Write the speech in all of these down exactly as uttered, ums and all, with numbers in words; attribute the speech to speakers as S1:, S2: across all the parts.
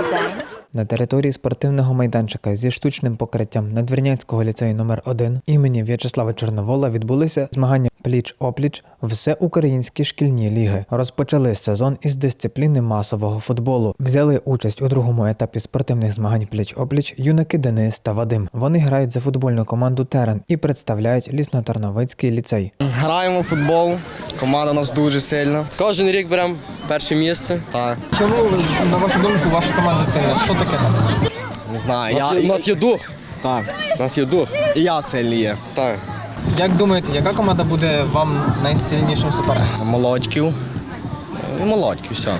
S1: На території спортивного майданчика зі штучним покриттям Надвірнянського ліцею номер один імені В'ячеслава Чорновола відбулися змагання пліч-опліч всеукраїнські шкільні ліги. Розпочали сезон із дисципліни масового футболу. Взяли участь у другому етапі спортивних змагань пліч-опліч юнаки Денис та Вадим. Вони грають за футбольну команду «Терен» і представляють Лісно-Тарновицький ліцей.
S2: Граємо в футбол, команда у нас дуже сильна.
S3: Кожен рік беремо перше місце.
S2: Так.
S4: Чому, на вашу думку, ваша команда сильна? Що таке там?
S2: Не знаю.
S3: У нас,
S2: Я...
S3: є- у нас є дух.
S2: Так.
S3: У нас є дух.
S2: І я сильний є.
S3: Так.
S4: Як думаєте, яка команда буде вам найсильнішим суперником?
S2: Молодьків. Ну, Молодьків, все.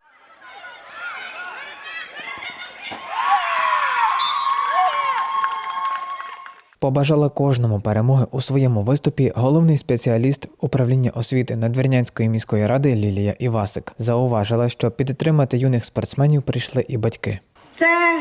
S1: Побажала кожному перемоги у своєму виступі головний спеціаліст управління освіти Надвірнянської міської ради Лілія Івасик. Зауважила, що підтримати юних спортсменів прийшли і батьки.
S5: Це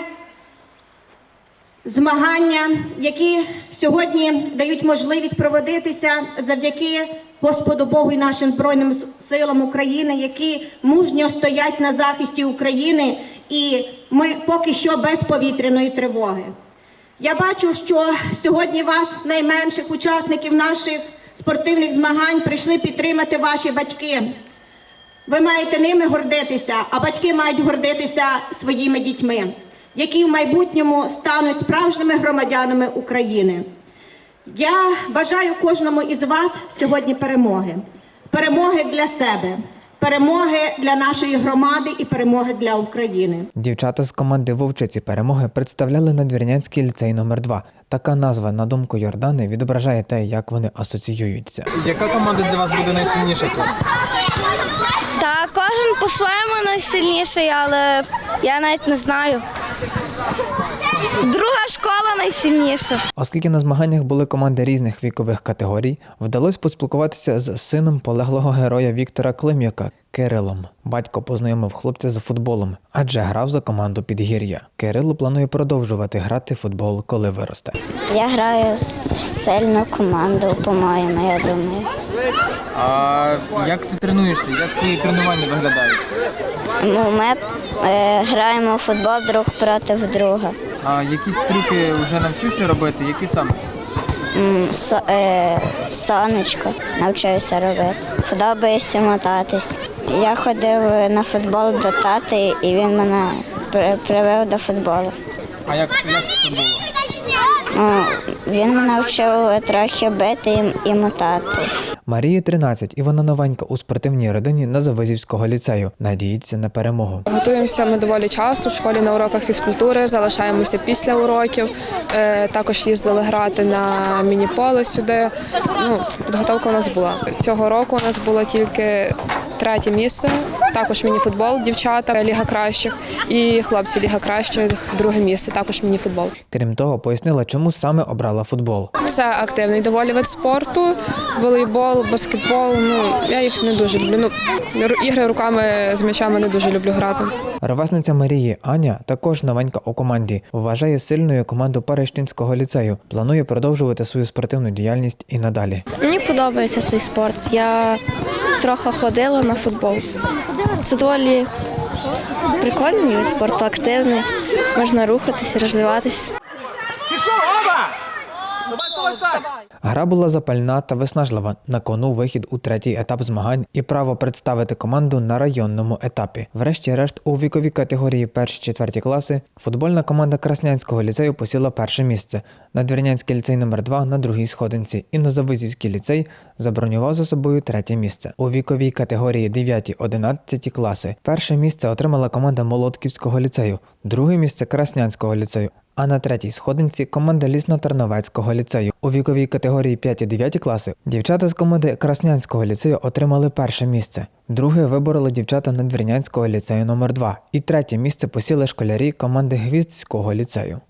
S5: змагання, які сьогодні дають можливість проводитися завдяки Господу Богу і нашим Збройним силам України, які мужньо стоять на захисті України, і ми поки що без повітряної тривоги. Я бачу, що сьогодні вас, найменших учасників наших спортивних змагань, прийшли підтримати ваші батьки. Ви маєте ними гордитися, а батьки мають гордитися своїми дітьми, які в майбутньому стануть справжніми громадянами України. Я бажаю кожному із вас сьогодні перемоги. Перемоги для себе, перемоги для нашої громади і перемоги для України.
S1: Дівчата з команди «Вовчиці перемоги» представляли Надвірнянський ліцей номер два. Така назва, на думку Йордани, відображає те, як вони асоціюються.
S4: Яка команда для вас буде найсильніша тут?
S6: Та кожен по-своєму найсильніший, але я навіть не знаю. Друга школа найсильніша.
S1: Оскільки на змаганнях були команди різних вікових категорій, вдалося поспілкуватися з сином полеглого героя Віктора Клим'яка – Кирилом. Батько познайомив хлопця з футболом, адже грав за команду Підгір'я. Кирило планує продовжувати грати в футбол, коли виросте.
S6: Я граю з сильну команду, по-моєму, я думаю.
S4: А як ти тренуєшся? Як твої тренування виглядають?
S6: Ну, ми е, граємо в футбол друг проти друга.
S4: А якісь трюки вже навчився робити? Які саме?
S6: М, со, е, сонечко навчаюся робити. Подобається мотатись. Я ходив на футбол до тати, і він мене при- привив до футболу.
S4: А як, як це було?
S6: Ну, він мене вчив трохи бити і, і мотатись.
S1: Марії тринадцять, і вона новенька у спортивній родині Назавизівського ліцею. Надіється на перемогу.
S7: Готуємося ми доволі часто в школі на уроках фізкультури, залишаємося після уроків. Е, Також їздили грати на міні-поле сюди. Ну, підготовка у нас була. Цього року у нас було тільки третє місце, також міні-футбол, дівчата, Ліга кращих, і хлопці Ліга кращих, друге місце, також міні-футбол.
S1: Крім того, пояснила, чому саме обрала футбол.
S7: Це активний доволі вид спорту, волейбол, баскетбол, ну, я їх не дуже люблю. Ну, ігри руками з м'ячами не дуже люблю грати.
S1: Ровесниця Марії Аня також новенька у команді. Вважає сильною команду Перещинського ліцею. Планує продовжувати свою спортивну діяльність і надалі.
S8: Мені подобається цей спорт. Я трохи ходила на футбол. Це доволі прикольний вид спорту, активний. Можна рухатись, розвиватись.
S1: Гра була запальна та виснажлива. На кону вихід у третій етап змагань і право представити команду на районному етапі. Врешті-решт, у віковій категорії перші-четверті класи футбольна команда Краснянського ліцею посіла перше місце, Надвірнянський ліцей номер два на другій сходинці і Назавизівський ліцей забронював за собою третє місце. У віковій категорії дев'яті-одинадцяті класи перше місце отримала команда Молодківського ліцею, друге місце Краснянського ліцею, а на третій сходинці команда Лісно-Тарновецького ліцею. У віковій категорії п'яті-дев'яті класи дівчата з команди Краснянського ліцею отримали перше місце. Друге вибороли дівчата Надвірнянського ліцею номер два І третє місце посіли школярі команди Гвіздського ліцею.